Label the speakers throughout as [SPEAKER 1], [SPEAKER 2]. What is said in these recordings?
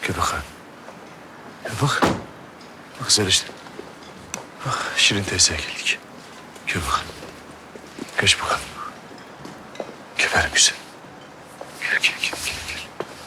[SPEAKER 1] Gel bakalım. Gel bak. Bak güzel işte. Bak Şirin teyzeye geldik. Gel bakalım. Geç bakalım. Gel benim güzel. Gel gel gel gel. Gel.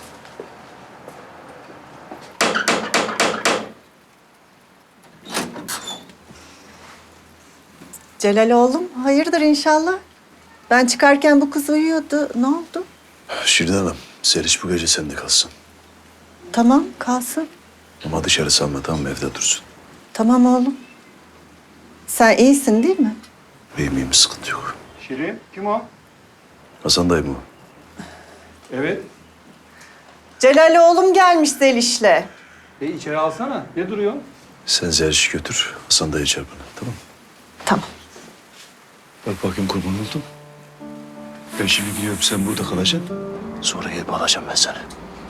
[SPEAKER 2] Celal oğlum, hayırdır inşallah? Ben çıkarken bu kız uyuyordu. Ne oldu?
[SPEAKER 1] Şirin Hanım, Zeliş bu gece sende kalsın.
[SPEAKER 2] Tamam, kalsın.
[SPEAKER 1] Ama dışarı salma, tamam mı? Evde dursun.
[SPEAKER 2] Tamam oğlum. Sen iyisin değil mi?
[SPEAKER 1] İyiyim, sıkıntı yok.
[SPEAKER 3] Şirin, kim o?
[SPEAKER 1] Hasan dayı mı o?
[SPEAKER 3] Evet.
[SPEAKER 2] Celal oğlum gelmiş Zeliş'le.
[SPEAKER 3] İçeri alsana. Ne duruyor?
[SPEAKER 1] Sen Zeliş'i götür, Hasan dayı çağır bana, tamam mı?
[SPEAKER 2] Tamam.
[SPEAKER 1] Bak bakayım kurban oldum. Ben şimdi gidiyorum, sen burada kalacaksın. Sonra gelip alacağım ben seni.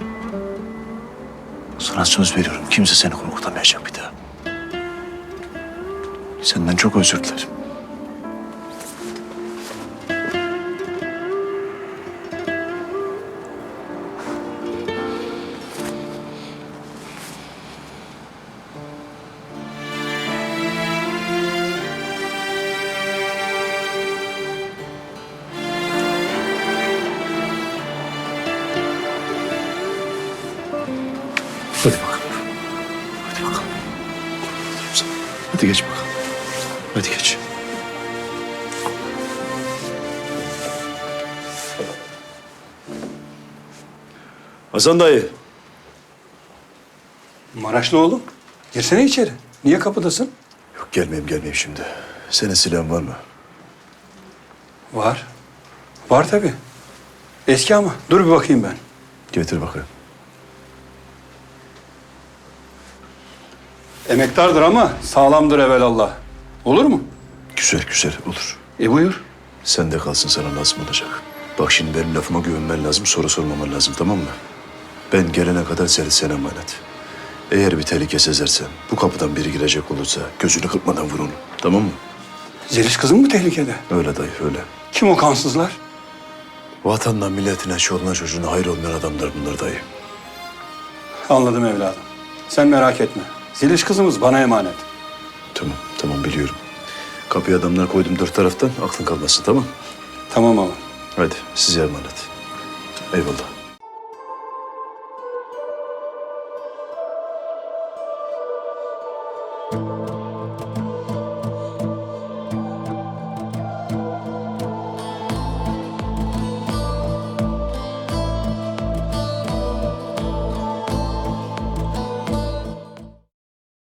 [SPEAKER 1] Sana söz veriyorum, kimse seni korkutamayacak bir daha. Senden çok özür dilerim. Hadi bakalım. Hadi bakalım. Hadi geç bakalım. Hadi geç. Hasan dayı.
[SPEAKER 3] Maraşlı oğlum. Girsene içeri. Niye kapıdasın?
[SPEAKER 1] Yok gelmeyeyim şimdi. Senin silahın var mı?
[SPEAKER 3] Var. Var tabii. Eski ama. Dur bir bakayım ben.
[SPEAKER 1] Getir bakayım.
[SPEAKER 3] Emektardır ama sağlamdır evelallah. Olur mu?
[SPEAKER 1] Güzel güzel olur.
[SPEAKER 3] Buyur.
[SPEAKER 1] Sen de kalsın sana lazım olacak. Bak şimdi benim lafıma güvenmen lazım, soru sormaman lazım tamam mı? Ben gelene kadar seni sen emanet. Eğer bir tehlike sezersen, bu kapıdan biri girecek olursa gözünü kırpmadan vur onu. Tamam mı?
[SPEAKER 3] Zeliş kızın mı tehlikede?
[SPEAKER 1] Öyle dayı öyle.
[SPEAKER 3] Kim o kansızlar?
[SPEAKER 1] Vatanına, milletine, çoluğuna, çocuğuna hayır olmayan adamlar bunlar dayı.
[SPEAKER 3] Anladım evladım. Sen merak etme. Zeliş kızımız bana emanet.
[SPEAKER 1] Tamam biliyorum. Kapıya adamlar koydum dört taraftan, aklın kalmasın tamam.
[SPEAKER 3] Tamam oğlum.
[SPEAKER 1] Hadi size emanet. Eyvallah.